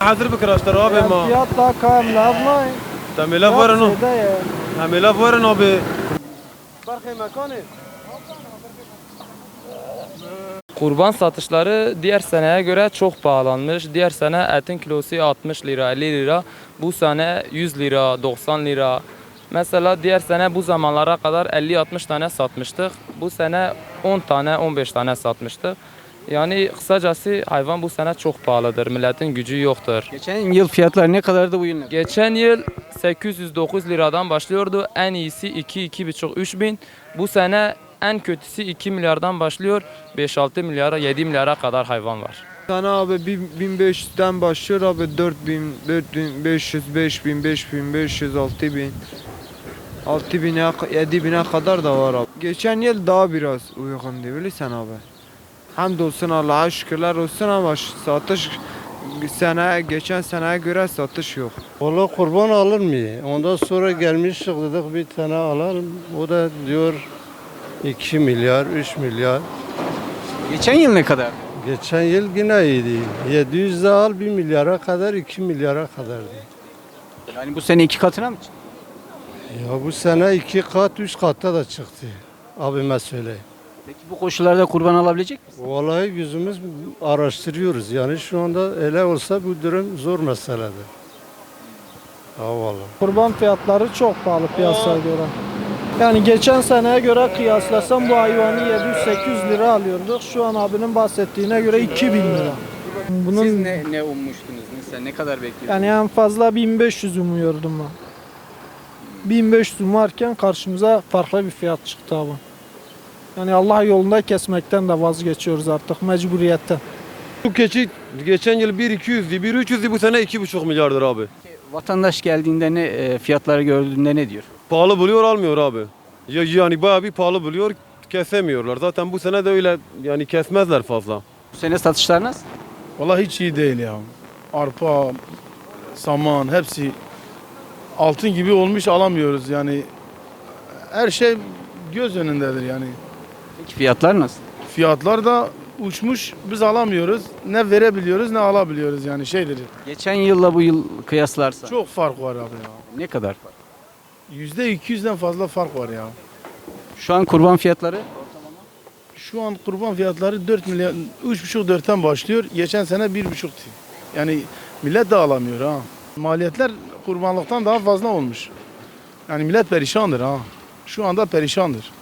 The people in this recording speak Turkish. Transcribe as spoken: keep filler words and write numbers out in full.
حاضر بكراشتر abi ma. Fiyat daha kamla ablayın. Tamela varın o. ya. Tamela varın abi. Farkı mekanı. Kurban satışları diğer seneye göre çok pahalanmış. Diğer sene etin kilosu altmış lira, elli lira. Bu sene yüz lira, doksan lira. Mesela diğer sene bu zamanlara kadar elli altmış tane satmıştık. Bu sene on tane, on beş tane satmıştık. Yani kısacası hayvan bu sene çok pahalıdır. Milletin gücü yoktur. Geçen yıl fiyatlar ne kadardı bu yıl ne? Geçen yıl sekiz yüz dokuz liradan başlıyordu. En iyisi iki, iki buçuk, üç bin. Bu sene en kötüsü iki milyardan başlıyor. beş altı milyara, yedi milyara kadar hayvan var. Sana abi bin beş yüzden başlıyor abi dört bin, dört bin beş yüz, beş bin, beş bin beş yüz, altı bin. altı bine, yedi bine kadar da var abi. Geçen yıl daha biraz uygundu bilirsen abi. Hamdolsun Allah'a şükürler olsun ama satış sene geçen seneye göre satış yok. Valla kurban alır mı? Ondan sonra gelmiştik dedik bir tane alalım. O da diyor iki milyar, üç milyar. Geçen yıl ne kadar? Geçen yıl yine iyiydi. yedi yüz de al bir milyara kadar, iki milyara kadardı. Yani bu sene iki katına mı çıktı? Ya bu sene iki kat, üç katta da çıktı. Abime söyleyeyim. Peki bu koşullarda kurban alabilecek misin? Vallahi yüzümüz araştırıyoruz. Yani şu anda öyle olsa bu durum zor meseledir. Ha vallahi. Kurban fiyatları çok pahalı piyasaya göre. Yani geçen seneye göre kıyaslasam bu hayvanı yedi yüz sekiz yüz lira alıyorduk. Şu an abinin bahsettiğine göre iki bin lira. Bunun Siz ne, ne ummuştunuz? Mesela ne kadar bekliyordunuz? yani en fazla bin beş yüz umuyordum ben. bin beş yüz umarken karşımıza farklı bir fiyat çıktı abi. Yani Allah yolunda kesmekten de vazgeçiyoruz artık mecburiyetten. Bu keçi geçen yıl bir iki yüzdü, bir üç yüzdü bu sene iki buçuk milyardır abi. Vatandaş geldiğinde ne e, fiyatları gördüğünde ne diyor? Pahalı buluyor almıyor abi. Ya- Yani bayağı bir pahalı buluyor kesemiyorlar. Zaten bu sene de öyle yani kesmezler fazla. Bu sene satışlar nasıl? Vallahi hiç iyi değil ya. Arpa, saman hepsi altın gibi olmuş alamıyoruz yani. Her şey göz önündedir yani. Peki fiyatlar nasıl? Fiyatlar da uçmuş biz alamıyoruz. Ne verebiliyoruz ne alabiliyoruz yani şeydir. Geçen yılla bu yıl kıyaslarsa Çok fark var abi ya. ne kadar fark? yüzde iki yüzden fazla fark var ya. Şu an kurban fiyatları Şu an kurban fiyatları dört milyar, üç buçuk dörtten başlıyor. Geçen sene bir buçuktu. Yani millet de alamıyor ha. Maliyetler kurbanlıktan daha fazla olmuş. Yani millet perişandır ha. Şu anda perişandır.